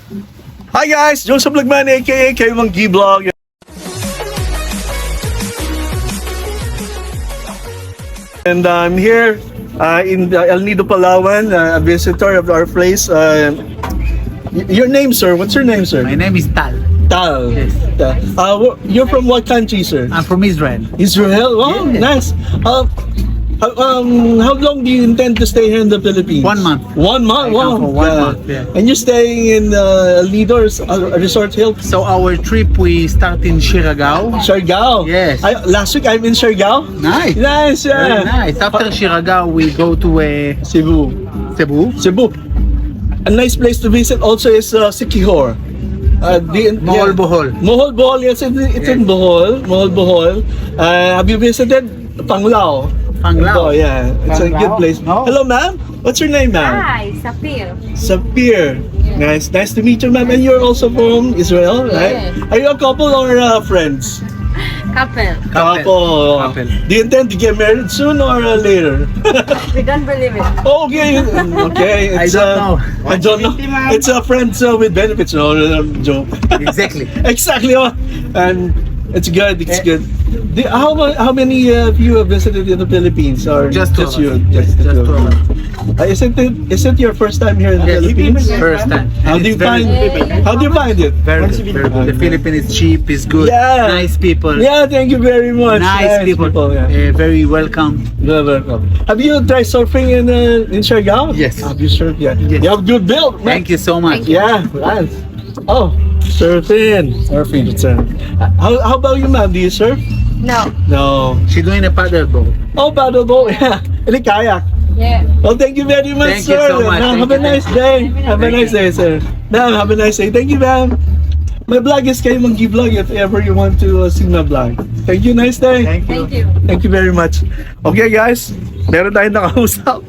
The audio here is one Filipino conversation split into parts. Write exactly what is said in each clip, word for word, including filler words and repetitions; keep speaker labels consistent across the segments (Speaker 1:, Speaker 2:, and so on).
Speaker 1: Hi guys, Joseph Lagman aka Kayo Mang G-Vlog. And I'm here uh, in the El Nido, Palawan, uh, a visitor of our place. Uh, y- your name, sir? What's your name, sir?
Speaker 2: My name is Tal.
Speaker 1: Tal.
Speaker 2: Yes.
Speaker 1: Tal. Uh, wh- you're from what country, sir?
Speaker 2: I'm from Israel.
Speaker 1: Israel. Wow,
Speaker 2: Yes.
Speaker 1: nice. Uh, how, um, how long do you intend to stay here in the Philippines?
Speaker 2: One month.
Speaker 1: One month.
Speaker 2: I
Speaker 1: Wow.
Speaker 2: come for one
Speaker 1: Yeah.
Speaker 2: month, yeah.
Speaker 1: And you're staying in uh, El Nido or s- uh, Resort Hill?
Speaker 2: So our trip we start in Siargao.
Speaker 1: Siargao.
Speaker 2: Yes.
Speaker 1: I, last week I'm in Siargao.
Speaker 2: Nice.
Speaker 1: Nice. Yeah.
Speaker 2: Very nice. After Siargao we go to uh,
Speaker 1: Cebu.
Speaker 2: Cebu.
Speaker 1: Cebu. A nice place to visit also is uh, Siquijor. Uh, the,
Speaker 2: Mohol, Bohol.
Speaker 1: Mohol, Bohol. Yes, it's, it's in
Speaker 2: Yes.
Speaker 1: Bohol. Mohol, Bohol. Uh, have you visited Panglao?
Speaker 2: Panglao.
Speaker 1: Oh, yeah. It's a good
Speaker 2: Panglao?
Speaker 1: place.
Speaker 2: No.
Speaker 1: Hello, ma'am. What's your name, ma'am?
Speaker 3: Hi, Sapir.
Speaker 1: Sapir. Nice. Nice to meet you, ma'am. And you're also from Israel, right?
Speaker 3: Yes.
Speaker 1: Are you a couple or uh, friends?
Speaker 3: Couple.
Speaker 1: Couple.
Speaker 2: Couple.
Speaker 1: Do you intend to get married soon or uh, later?
Speaker 3: We don't believe it.
Speaker 1: Okay, okay.
Speaker 2: I
Speaker 1: It's,
Speaker 2: don't
Speaker 1: uh,
Speaker 2: know.
Speaker 1: I don't know. It's a friends uh, with benefits, no, no, no joke.
Speaker 2: Exactly.
Speaker 1: Exactly. Oh. And it's good. It's
Speaker 2: Eh.
Speaker 1: good. The, how ma- how many uh, of you have visited in the Philippines, or
Speaker 2: Just two of
Speaker 1: you?
Speaker 2: us.
Speaker 1: Just,
Speaker 2: Just
Speaker 1: the two
Speaker 2: two
Speaker 1: of
Speaker 2: of
Speaker 1: us. Uh, isn't it? Is it your first time here in the
Speaker 2: Yes.
Speaker 1: Philippines?
Speaker 2: First time.
Speaker 1: How
Speaker 2: And
Speaker 1: do you
Speaker 2: it's very-
Speaker 1: find? How do you find it?
Speaker 2: Very good. Very good. The Philippines is cheap. Is good.
Speaker 1: Yeah.
Speaker 2: Nice people.
Speaker 1: Yeah. Thank you very much.
Speaker 2: Nice, people.
Speaker 1: yeah.
Speaker 2: Uh, very welcome.
Speaker 1: You're welcome. Have you tried surfing in uh, in Siargao?
Speaker 2: Yes.
Speaker 1: Have you surfed yet?
Speaker 2: Yes.
Speaker 1: You have good build. man.
Speaker 2: Thank you so much.
Speaker 1: Yeah, nice. Oh, surfing. Surfing. Surf. Uh, How, how about you, ma'am? Do you surf?
Speaker 3: No.
Speaker 1: No.
Speaker 2: She doing a paddle boat.
Speaker 1: Oh, paddleboat. Yeah. Any kayak.
Speaker 3: Yeah.
Speaker 1: Well, thank you very much,
Speaker 2: Thank you
Speaker 1: sir.
Speaker 2: so much.
Speaker 1: Now,
Speaker 2: Thank
Speaker 1: have a
Speaker 2: you.
Speaker 1: nice day. Have a nice day, sir. Now, have a nice day. Thank you, ma'am. My vlog is Kayo Mang G-Vlog if ever you want to uh, see my vlog. Thank you. Nice day.
Speaker 2: Thank you.
Speaker 3: Thank you.
Speaker 1: Thank you very much. Okay guys, meron tayong nakausap.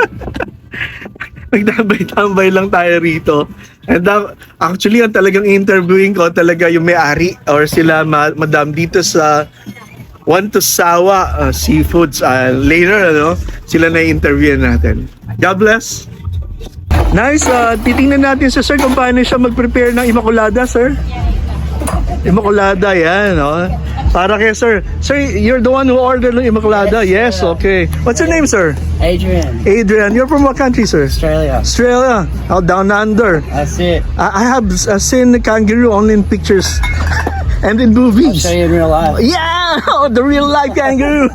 Speaker 1: Nagtambay-tambay lang tayo rito. And uh, actually, ang talagang interviewing ko talaga yung may-ari or sila ma- madam dito sa One to Sawa uh, Seafoods. Uh, later, ano, sila na interview natin. God bless. Nice. Uh, titingnan natin sa sir kung paano siya mag-prepare ng Immaculada, sir. Immaculada, yan. Oh. Para kay sir. Sir, you're the one who ordered ng Immaculada? Yes, okay. What's your name, sir?
Speaker 4: Adrian,
Speaker 1: Adrian. You're from what country, sir?
Speaker 4: Australia.
Speaker 1: Australia. Oh, down under.
Speaker 4: That's it.
Speaker 1: I, I have uh, seen the kangaroo only in pictures and in
Speaker 4: I'll
Speaker 1: movies.
Speaker 4: show you in real life.
Speaker 1: Yeah, oh, the real life kangaroo.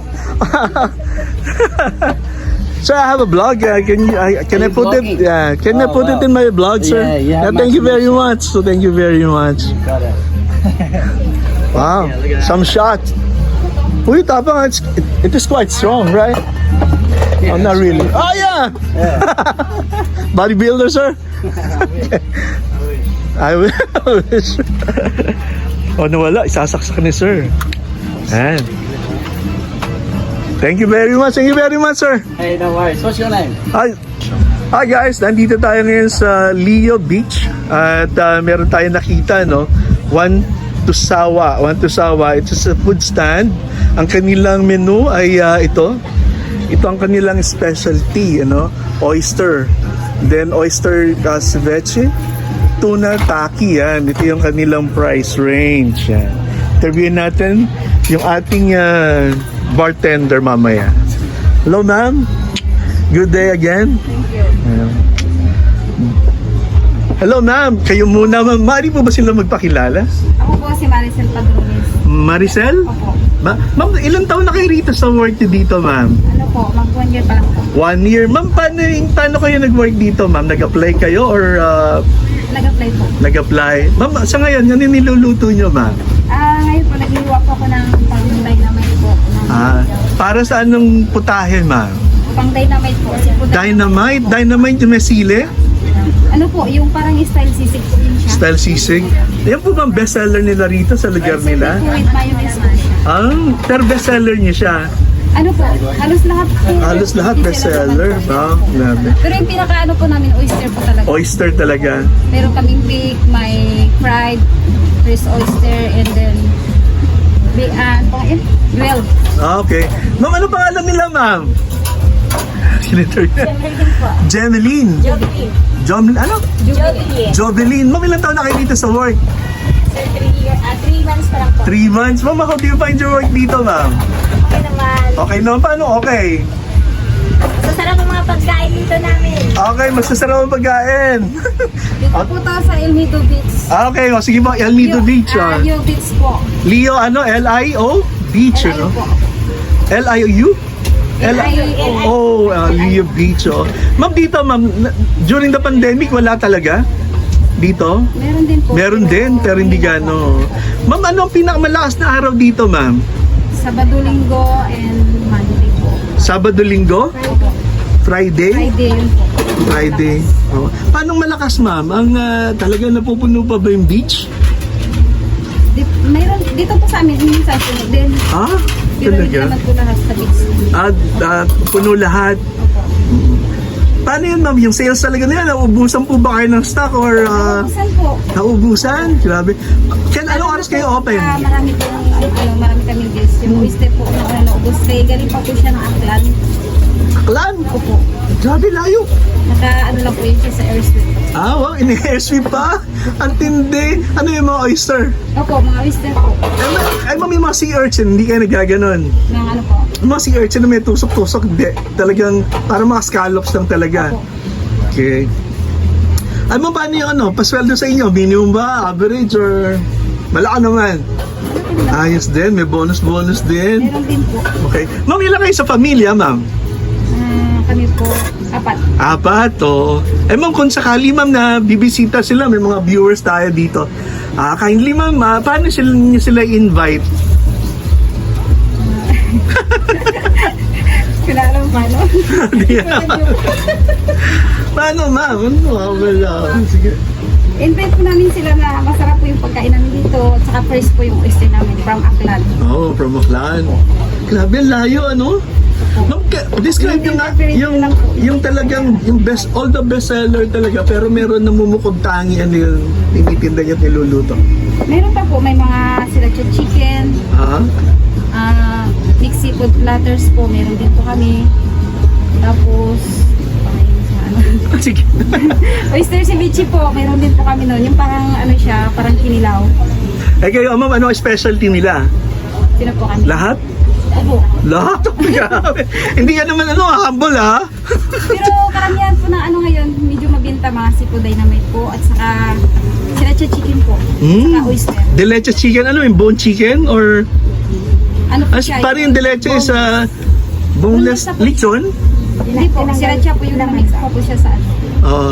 Speaker 1: Sir, I have a blog. Uh, can you, uh, can I
Speaker 4: Are you
Speaker 1: put it?
Speaker 4: vlogging?
Speaker 1: Yeah, can I
Speaker 4: Oh,
Speaker 1: put it
Speaker 4: wow.
Speaker 1: in my blog, sir?
Speaker 4: Yeah, you have
Speaker 1: thank you
Speaker 4: much
Speaker 1: very
Speaker 4: information.
Speaker 1: much. So thank you very much.
Speaker 4: Got it.
Speaker 1: Wow,
Speaker 4: Yeah, look at that.
Speaker 1: some shot. Uy, tapang, it's, it, it is quite strong, right? Oh, not really. Oh, yeah! Bodybuilder, sir? I wish. I wish. Oh, nawala. Isasaksak ni sir. Ayan. Thank you very much. Thank you very much, sir.
Speaker 4: Hey, no worries. What's your name?
Speaker 1: Hi. Hi guys, nandito tayo ngayon sa Leo Beach at uh, meron tayong nakita, no? One to Sawa. One to Sawa. It's a food stand. Ang kanilang menu ay uh, ito. Ito ang kanilang specialty, ano? Oyster. Then oyster uh, ceviche, tuna taki, yan. Ito yung kanilang price range. Yan. Interviewin natin yung ating uh, bartender mamaya. Hello, ma'am. Good day again.
Speaker 3: Thank you.
Speaker 1: Ayan. Hello, ma'am. Kayo muna, ma'am. Mari po ba sila magpakilala?
Speaker 3: Ako po si Maricel Padrones.
Speaker 1: Maricel?
Speaker 3: Opo.
Speaker 1: Ma ma'am, ilang taon na kayo rito sa work niyo dito, ma'am?
Speaker 3: Ano po, mag one year pa lang po.
Speaker 1: One year. Ma'am, paano, paano kayo nag-work dito, ma'am? Nag-apply kayo or uh,
Speaker 3: Nag-apply po.
Speaker 1: nag-apply? Ma'am, sa ngayon, ano yung niluluto niyo, ma'am?
Speaker 3: Ah, ngayon po, nag-iwa po ako ng pang-dynamite po. Ng
Speaker 1: Ah, para sa anong putahe, ma'am?
Speaker 3: Pang-dynamite po. Kasi po
Speaker 1: Dynamite? Dynamite yung may sili?
Speaker 3: Ano po, yung parang style sisig po din siya.
Speaker 1: Style sisig? Yan po bang bestseller nila rito sa lugar nila?
Speaker 3: Po with mayonnaise po siya.
Speaker 1: Ah, pero bestseller niya siya.
Speaker 3: Ano po, halos lahat po.
Speaker 1: Halos lahat
Speaker 3: Hindi
Speaker 1: bestseller.
Speaker 3: sila naman po.
Speaker 1: Ah, grabe.
Speaker 3: Pero yung pinaka-ano po namin, oyster po talaga.
Speaker 1: Oyster talaga.
Speaker 3: Meron kaming bake, may fried, fresh oyster, and then Be, ah, pang, eh, twelve.
Speaker 1: Ah, okay. Ma'am, ano pangalan nila, ma'am? Senator.
Speaker 3: Meron po.
Speaker 1: Jemeline.
Speaker 3: Jovelyn.
Speaker 1: Jom, ano?
Speaker 3: Jovelyn.
Speaker 1: Jovelyn. Ma'am, ilang taon na kayo dito sa work?
Speaker 3: Sir, three years, ah, three months pa lang po.
Speaker 1: Three months. Ma'am, how do you find your work dito, ma'am?
Speaker 3: Okay naman.
Speaker 1: Okay no? Paano okay?
Speaker 3: So, sarap ang mga pagkain dito namin.
Speaker 1: Okay, masasarap ang pagkain.
Speaker 3: Dito po to sa El Nido Beach.
Speaker 1: Ah, okay, o sige po, El Nido
Speaker 3: Yo-
Speaker 1: Beach.
Speaker 3: Ah,
Speaker 1: ah.
Speaker 3: Yo Beach po.
Speaker 1: Leo, ano? L I O? Beach,
Speaker 3: L I O
Speaker 1: ano?
Speaker 3: po.
Speaker 1: L I O U?
Speaker 3: L I O.
Speaker 1: Oh, uh, Leo Beach, oh. Ma'am, dito, ma'am, na- during the pandemic, wala talaga? Dito?
Speaker 3: Meron din po.
Speaker 1: Meron din, pero hindi gano. Ma'am, ano ang pinakamalakas na araw dito, ma'am?
Speaker 3: Sabado, Linggo, and Monday po.
Speaker 1: Sabado, Linggo?
Speaker 3: Opo.
Speaker 1: Friday?
Speaker 3: Friday yun po.
Speaker 1: Friday. Oh. Paano malakas, ma'am? Ang uh, talaga napupuno pa ba yung beach?
Speaker 3: Di, mayroon, dito po sa amin, minsan sunog din.
Speaker 1: Ah,
Speaker 3: Pero hindi
Speaker 1: talaga?
Speaker 3: naman po lahat sa beach.
Speaker 1: At uh, puno lahat.
Speaker 3: Opo.
Speaker 1: Paano yun, ma'am? Yung sales talaga na yan, naubusan po ba kayo ng stock or uh,
Speaker 3: Saan po?
Speaker 1: naubusan? Grabe. Kaya anong oras kayo open?
Speaker 3: Ah, marami po, ano, marami kaming guests. Yung oyster po na ano, naubos. Kaya galing pa po siya ng Aklan.
Speaker 1: Aklan?
Speaker 3: Opo.
Speaker 1: Grabe layo.
Speaker 3: Naka, ano lang po yun siya sa airstrip.
Speaker 1: Ah, wow, ini-airsweep pa? Ang tindi. Ano yung mga oyster?
Speaker 3: Opo, mga oyster po.
Speaker 1: Ay, ma- ay ma'am, yung mga sea urchin, hindi kayo nagaganon.
Speaker 3: Ng ano po.
Speaker 1: Yung mga sea urchin na may tusok-tusok, hindi. Talagang, parang mga scallops lang talaga.
Speaker 3: Opo.
Speaker 1: Okay. Ay, ma'am, paano yung ano? Pasweldo sa inyo? Minimum ba? Average? Or malaki naman? Ayos din. May bonus-bonus din.
Speaker 3: Meron din po.
Speaker 1: Okay. Ma'am, ilan kayo sa pamilya, ma'am?
Speaker 3: Ah, kami po, apat.
Speaker 1: Apat, o. Eh, ma'am, kung sakali, ma'am, na bibisita sila, may mga viewers tayo dito. Ah, kindly, ma'am, ah, paano sila, niyo sila invite?
Speaker 3: Kilala mo paano?
Speaker 1: Hindi alam. Paano, ma'am? Ano? Ah, wala. Sige.
Speaker 3: Invite po namin sila na masarap po yung pagkain namin dito. At saka fresh po yung oyster namin from Aklan.
Speaker 1: Oh, from Aklan. Grabe, ang layo, ano? Ma'am, ka- describe yung, yung, yung talagang, yung best, all the best seller talaga, pero meron namumukod tangi, ano yung tinitinda niya at niluluto.
Speaker 3: Meron pa po, may mga sriracha chicken,
Speaker 1: Ha?
Speaker 3: ah mixed seafood platters po, meron din po kami. Tapos, ano,
Speaker 1: Sige.
Speaker 3: oyster ceviche po, meron din po kami noon. Yung parang ano siya, parang kinilaw.
Speaker 1: Eh kayo, ma'am, ano ang specialty nila?
Speaker 3: Sino po kami?
Speaker 1: Lahat?
Speaker 3: Opo.
Speaker 1: Lahat? Grabe. Hindi ka naman, ano, humble, ha?
Speaker 3: Pero karamihan po na ano ngayon, medyo mabinta mga seafood dynamite po at saka sriracha chicken po.
Speaker 1: Mm.
Speaker 3: Saka oyster.
Speaker 1: Deleche chicken, ano yung bone chicken? Or,
Speaker 3: Ano po
Speaker 1: as
Speaker 3: siya?
Speaker 1: parang yung deleche is uh, boneless
Speaker 3: Boneless na po.
Speaker 1: lechon?
Speaker 3: Hindi po, sriracha po yung na-mix po po siya sa ano.
Speaker 1: Oo.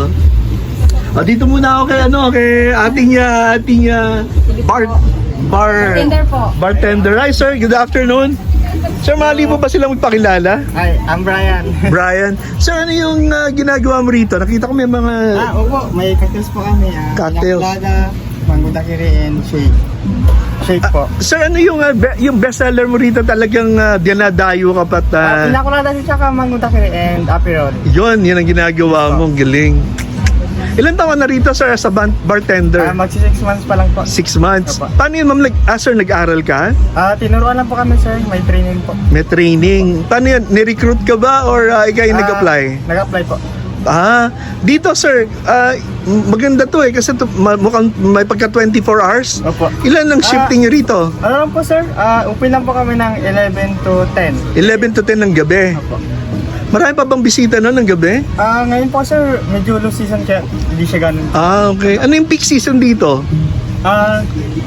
Speaker 1: Ah, dito muna ako kay ano, kay ating uh, ating uh, bar bar
Speaker 3: Bartender po.
Speaker 1: bartender. Hi sir, good afternoon. Sir, mali po ba silang magpakilala?
Speaker 4: Hi, I'm Brian.
Speaker 1: Brian. Sir, ano yung uh, ginagawa mo rito? Nakita ko may mga
Speaker 4: ah, opo, may cocktails po kami. Ah,
Speaker 1: Cocktails.
Speaker 4: Yakulada, mango daiquiri, and shake. Shake po.
Speaker 1: Sir, ano yung uh, be- yung best seller mo rito talagang uh, dinadayo ka pat
Speaker 4: Ah,
Speaker 1: uh,
Speaker 4: Pinakulada si tsaka mango daiquiri and aperol.
Speaker 1: yun, yun ang ginagawa mo, galing. Ilan taon na rito sir as a ban-
Speaker 4: Ah,
Speaker 1: bartender?
Speaker 4: magsi six months pa lang po.
Speaker 1: Six months.
Speaker 4: Opo.
Speaker 1: Paano yun ma'am? Nag- ah, sir, nag-aral ka?
Speaker 4: Ah, tinuruan lang po kami sir, may training po.
Speaker 1: May training. Paano yun? Ni-recruit ka ba or uh, ikaw yung
Speaker 4: Ah,
Speaker 1: nag-apply?
Speaker 4: Nag-apply po.
Speaker 1: Ah, dito sir, ah, maganda to eh kasi to, ma- mukhang may pagka twenty-four hours.
Speaker 4: Opo.
Speaker 1: Ilan ang
Speaker 4: Ah.
Speaker 1: shifting nyo rito?
Speaker 4: Ano lang po sir, ah, open lang po kami ng eleven to ten.
Speaker 1: eleven to ten ng gabi.
Speaker 4: Opo.
Speaker 1: Marami pa bang bisita no ng gabi?
Speaker 4: Ah, ngayon po sir, medyo low season kaya hindi siya ganun.
Speaker 1: Ah, okay. Ano yung peak season dito?
Speaker 4: Ah,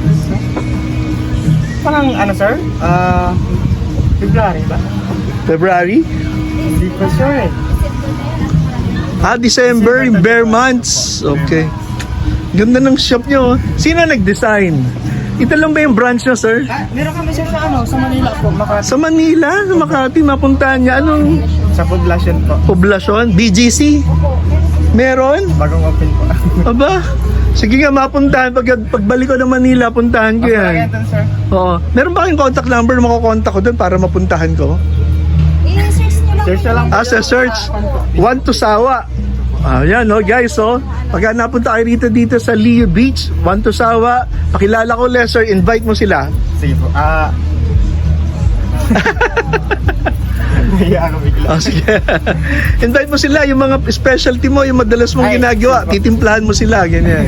Speaker 4: parang ano sir? Ah, February ba?
Speaker 1: February?
Speaker 4: Hindi ko sure eh.
Speaker 1: Ah, December, yung bare months. Okay. Ganda ng shop nyo. Sino nag-design? Ito lang ba yung branch nyo, sir?
Speaker 4: Ah, meron kami sir sa ano, sa Manila po, Makati.
Speaker 1: Sa Manila, sa Makati, mapuntahan niya. Anong
Speaker 4: Sa poblasyon po.
Speaker 1: poblasyon? B G C? Meron?
Speaker 4: Bagong open po.
Speaker 1: Aba, sige nga, mapuntahan. Pag, pagbalik ko ng Manila, puntahan ko
Speaker 4: Mas
Speaker 1: yan.
Speaker 4: lagyan doon sir.
Speaker 1: Oo. Meron ba kayong contact number na makukontak ko doon para mapuntahan ko?
Speaker 3: I-search nyo lang.
Speaker 4: Search na lang po.
Speaker 1: Ah, sa search. One to Sawa. Ah, yan, no, guys, oh. Pagka napunta kayo rito dito sa Leo Beach, One to Sawa, pakilala ko, Lesser, invite mo sila.
Speaker 4: Sige po. Ah, Naya ako bigla.
Speaker 1: Oh, sige. Invite mo sila, yung mga specialty mo, yung madalas mong
Speaker 4: Ay,
Speaker 1: ginagawa,
Speaker 4: sige po.
Speaker 1: titimplahan mo sila, ganyan.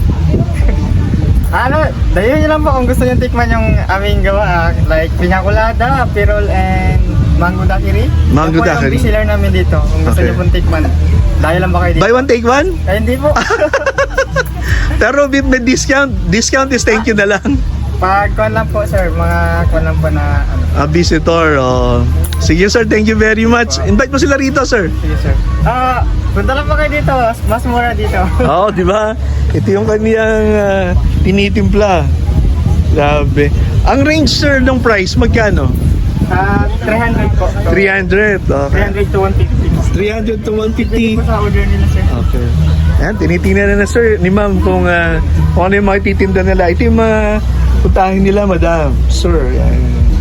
Speaker 4: Ano, dayo nyo lang po kung gusto nyo tikman yung aming gawa. ah. Like, pinakulada, pirol, and mango daiquiri.
Speaker 1: Mango
Speaker 4: Yan po
Speaker 1: daiquiri.
Speaker 4: yung bestseller namin dito. Kung gusto
Speaker 1: Okay.
Speaker 4: nyo pong tikman. Dahil lang ba kayo dito?
Speaker 1: Buy one, take one?
Speaker 4: Ay, hindi po.
Speaker 1: Pero with may discount, discount is thank you na lang.
Speaker 4: Pag kuwan lang po, sir. Mga kuwan lang po na ano.
Speaker 1: A visitor, oh. Sige sir, thank you very much. Invite mo sila rito, sir.
Speaker 4: Sige, sir. Ah, punta lang po kayo dito. Mas mura dito.
Speaker 1: Oo, di ba? Ito yung kaniyang ah, tinitimpla. Grabe. Ang range, sir, ng price, magkano?
Speaker 4: Ah, three hundred po.
Speaker 1: three hundred.
Speaker 4: three
Speaker 1: Okay.
Speaker 4: hundred to one fifty.
Speaker 1: three hundred to one
Speaker 4: Depende
Speaker 1: fifty.
Speaker 4: po sa order nila, sir.
Speaker 1: Okay. Ayan, tinitingnan na na, sir, ni ma'am kung, ah, kung ano yung mga titinda nila. Ito yung mga putahin nila, madam. Sir, ayan.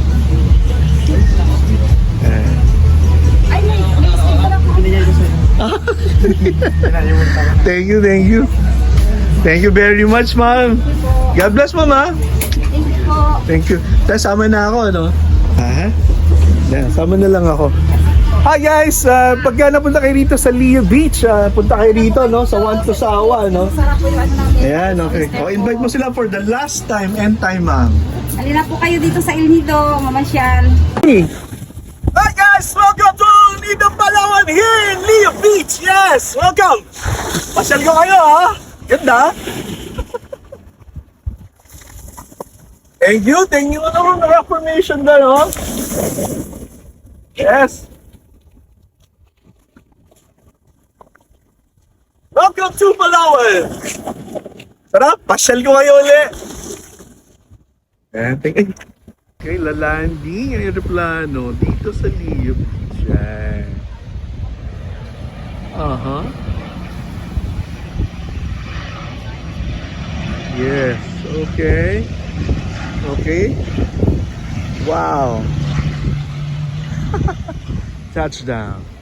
Speaker 1: Ayan.
Speaker 3: Ay, may, may stick pala po.
Speaker 4: Binigay ko, sir. Pinalimutan ko na.
Speaker 1: Thank you, thank you. Thank you very much, ma'am. God bless, ma'am, ha?
Speaker 3: Thank you po.
Speaker 1: Thank you. Tapos sama na ako, no? Ha? Yan, sama na lang ako. Hi guys, uh, pagka napunta kayo rito sa Leo Beach, uh, punta kayo rito, no? Sa One to Sawa, no?
Speaker 3: Sarap po yung ano namin.
Speaker 1: Ayan, okay. O, invite mo sila for the last time and time, ma'am.
Speaker 3: Halina po kayo dito sa El Nido, mamasyal.
Speaker 1: Hi guys, welcome to Nido Palawan here in Leo Beach. Yes, welcome. Pasyal ko kayo, ha? Ganda. Thank you, thank you. Ano kung reformation na, no? Yes. Welcome to Palawan. Sarap, pasyal ko kayo ulit. Eh, thank you. Okay, lalanding ang aeroplano dito sa Leo Beach. Yan. Aha. Yes, okay. Okay. Wow. Touchdown.